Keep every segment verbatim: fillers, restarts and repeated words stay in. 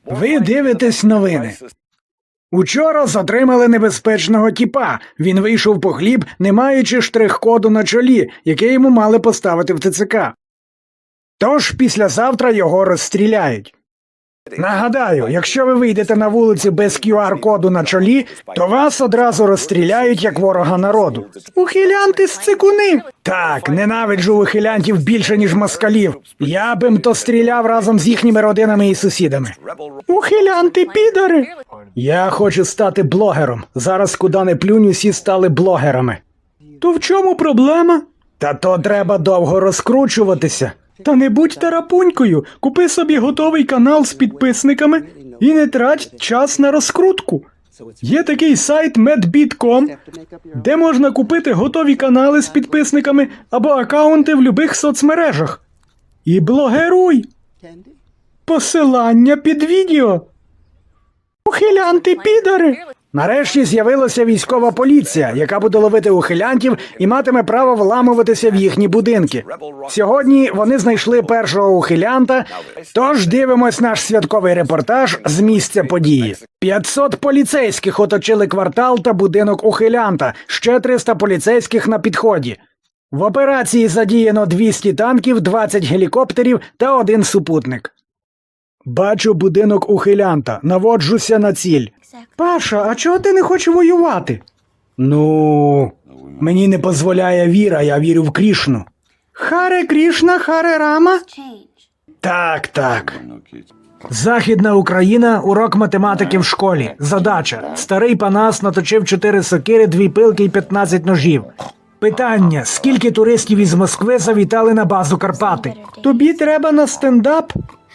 Ви дивитесь новини. Учора затримали небезпечного тіпа. Він вийшов по хліб, не маючи штрих-коду на чолі, яке йому мали поставити в Те Це Ка. Тож післязавтра його розстріляють. Нагадаю, якщо ви вийдете на вулицю без кю ар-коду на чолі, то вас одразу розстріляють як ворога народу. Ухилянти з цикуни! Так, ненавиджу ухилянтів більше, ніж москалів. Я б їм то стріляв разом з їхніми родинами і сусідами. Ухилянти підари! Я хочу стати блогером. Зараз куди не плюнь, усі стали блогерами. То в чому проблема? Та то треба довго розкручуватися. Та не будь тарапунькою, купи собі готовий канал з підписниками і не трать час на розкрутку. Є такий сайт медбіт крапка ком, де можна купити готові канали з підписниками або акаунти в любих соцмережах. І блогеруй! Посилання під відео. Ухилянти підари! Нарешті з'явилася військова поліція, яка буде ловити ухилянтів і матиме право вламуватися в їхні будинки. Сьогодні вони знайшли першого ухилянта, тож дивимось наш святковий репортаж з місця події. п'ятсот поліцейських оточили квартал та будинок ухилянта, ще триста поліцейських на підході. В операції задіяно двісті танків, двадцять гелікоптерів та один супутник. Бачу будинок ухилянта, наводжуся на ціль. Паша, а чого ти не хочеш воювати? Ну, мені не дозволяє віра, я вірю в Крішну. Харе Крішна, Харе Рама? Так, так. Західна Україна, урок математики в школі. Задача. Старий Панас наточив чотири сокири, дві пилки і п'ятнадцять ножів. Питання. Скільки туристів із Москви завітали на базу Карпати? Тобі треба на стендап?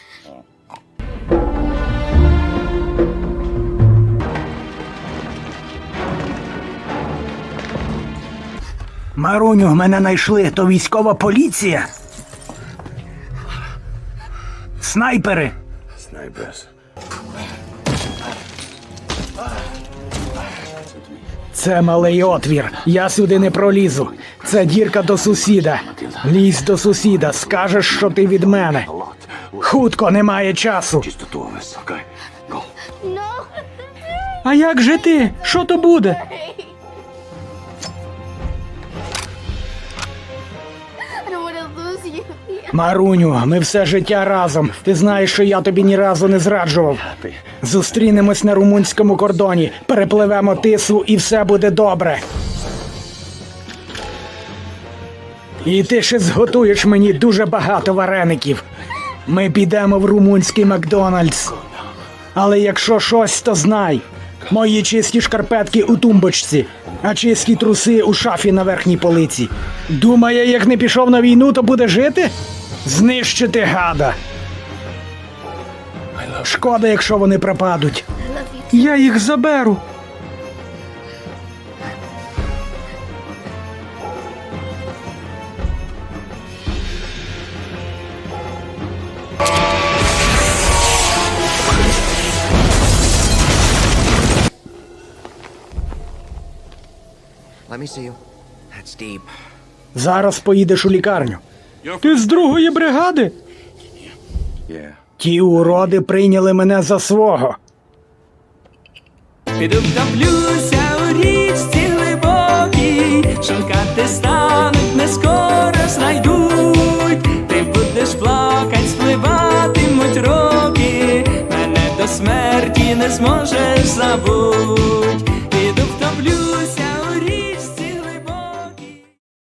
Маруню, мене знайшли. То військова поліція? Снайпери. Snipers. Це малий отвір. Я сюди не пролізу. Це дірка до сусіда. Лізь до сусіда. Скажеш, що ти від мене. Хутко, немає часу. Just the two of us, okay? Go. А як же ти? Що то буде? I don't want to lose you. Маруню, ми все життя разом. Ти знаєш, що я тобі ні разу не зраджував. Зустрінемось на румунському кордоні, перепливемо Тису і все буде добре. І ти ще зготуєш мені дуже багато вареників. Ми підемо в румунський Макдональдс. Але якщо щось, то знай. Мої чисті шкарпетки у тумбочці, а чисті труси у шафі на верхній полиці. Думає, як не пішов на війну, то буде жити? Знищити гада. Шкода, якщо вони пропадуть. Я їх заберу. Let me see you. That's deep. Зараз поїдеш у лікарню. Ти з другої бригади? Yeah. Ті уроди прийняли мене за свого. Піду втоплюся у річці глибокій, шукати стануть, не скоро знайдуть. Ти будеш плакать, спливатимуть роки, мене до смерті не зможеш забути.